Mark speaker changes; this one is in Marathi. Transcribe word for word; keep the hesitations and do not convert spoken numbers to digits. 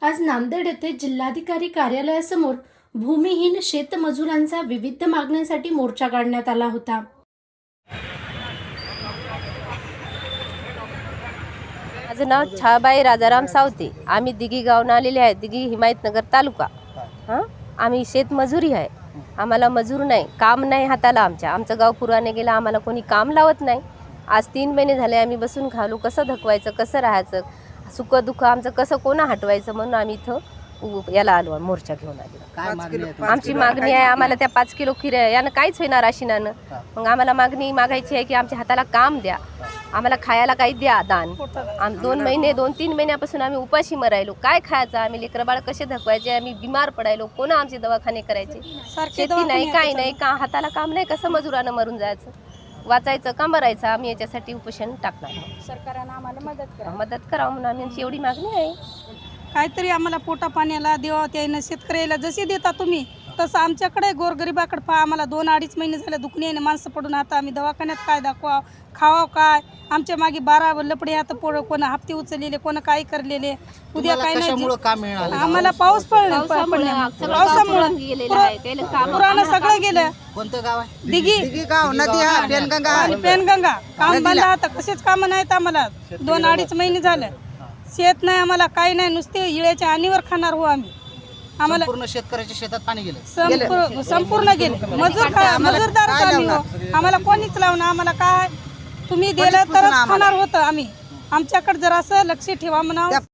Speaker 1: आज नांदेड येथे जिल्हाधिकारी कार्यालयासमोर भूमिहीन शेतमजुरांचा विविध मागण्यांसाठी मोर्चा काढण्यात आला होता।
Speaker 2: माझं नाव छाबाई राजाराम सावते। आम्ही दिघी गावून आलेले आहे। दिघी हिमायतनगर तालुका। हां आम्ही शेतमजुरी आहे। आम्हाला मजूर नाही, काम नाही हाताला। आमच्या आमचं गाव पुराने गेलं, आम्हाला कोणी काम लावत नाही। आज तीन महिने झाले आम्ही बसून खालो। कसं धकवायचं, कसं राहायचं, सुख दुःख आमचं कसं कोणा हटवायचं म्हणून आम्ही इथं याला आलो, मोर्चा घेऊन आलो।
Speaker 3: काय मागणी आहे?
Speaker 2: आमची मागणी आहे, आम्हाला त्या पाच किलो खीर यानं काहीच होणार राशीनानं। मग आम्हाला मागणी मागायची आहे की आमच्या हाताला काम द्या, आम्हाला खायला काही द्या दान। आम दोन महिने दोन तीन महिन्यापासून आम्ही उपाशी मरायलो। काय खायचं, आम्ही लेकरबाळ कसे धकवायचे, आम्ही बिमार पडायलो, कोणा आमचे दवाखाने करायचे। शेती नाही, काही नाही, का हाताला काम नाही, कसं मजुरानं मरून जायचं, वाचायचं का मरायचं। आम्ही याच्यासाठी उपोषण टाकणार।
Speaker 4: सरकारने आम्हाला मदत करा
Speaker 2: मदत करावं म्हणून आमची एवढी मागणी आहे।
Speaker 4: काहीतरी आम्हाला पोटा पाण्याला देवा, त्यानं शेतकऱ्याला जसे देता तुम्ही तसं आमच्याकडे गोरगरिबाकडे पहा। आम्हाला दोन अडीच महिने झाले दुखण्याने माणसं पडून, आता आम्ही दवाखान्यात काय दाखवा, खावा काय। आमच्या मागे बारा लपडे आता पोरं, कोण हप्ते उचललेले, कोण काय करलेले, उद्या काय नाही।
Speaker 3: काम मिळालं
Speaker 4: आम्हाला पाऊस पडला, पावसामुळे पुरानं सगळं गेलं।
Speaker 3: कोणतं गाव आहे?
Speaker 4: दिघी
Speaker 3: दिघी गाव, नदी हा पेनगंगा
Speaker 4: आणि पेनगंगा काम बंद आता, कसेच काम नाहीत आम्हाला। दोन अडीच महिने झाले शेत नाही आम्हाला, काही नाही, नुसते इळ्याच्या आणीवर खाणार हो आम्ही। आम्हाला
Speaker 3: पूर्ण शेतकऱ्याच्या शेतात पाणी गेलं,
Speaker 4: संपूर्ण संपूर्ण गेले। मजूर काय, मजूरदार आम्ही हो, आम्हाला कोणीच लावणार। आम्हाला काय तुम्ही दिलं तरच खाणार होतं आम्ही। आमच्याकडे जरासं लक्ष ठेवा म्हणावं।